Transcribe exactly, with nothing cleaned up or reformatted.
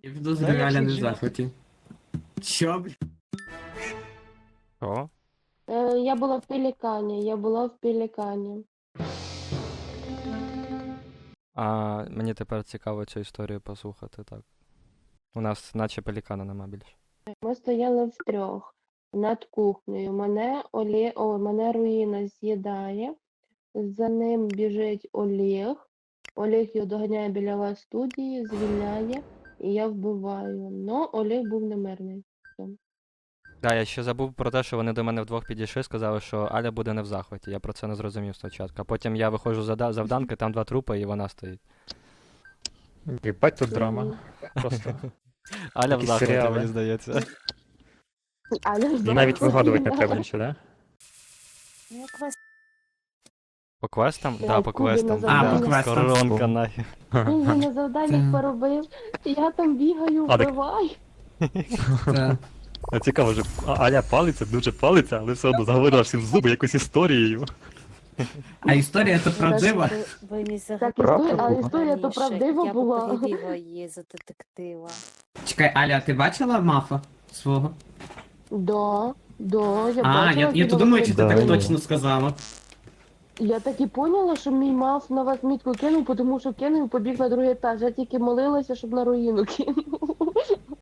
Я підозрюю, Аля не в захваті. Що, бля? О, Е, я була в Пелікані, я була в Пелікані. а мені тепер цікаво цю історію послухати, так. У нас наче пелікана нема більше. Ми стояли втрьох над кухнею. Мене, Олє... О, мене руїна з'їдає. За ним біжить Олег. Олег його доганяє біля вас студії, звільняє, і я вбиваю. Но Олег був немирний. Да, я ще забув про те, що вони до мене вдвох підійшли, сказали, що Аля буде не в захваті. Я про це не зрозумів спочатку. А потім я виходжу з зада- завданки, там два трупи, і вона стоїть. Єбать тут драма. Просто. Аля в Якісь захваті, серіали. мені здається. Але І навіть вигадувати не треба нічого, да? По квестам? Я Да, по кубі квестам. на А, да. по квестам. Коронка нахер. Він же на завданнях Це- поробив. Я там бігаю, А, так- вбиваю. Це... А цікаво, що А- Аля палиться, дуже палиться, але все одно заговорила всім в зуби якусь історією. А історія то правдива? Ви, ви не Так, Правда історія, а була? історія то раніше. правдива Я була. б перевіла її за детектива. Чекай, Аля, ти бачила мафа свого? Да, да, я А, бачила я, я то кіно. думаю, чи ти Да, так ні. точно сказала. Я так і поняла, що мій мав на вас мітку кинув, тому що кинув і побіг на другий етаж. Я тільки молилася, щоб на руїну кинув.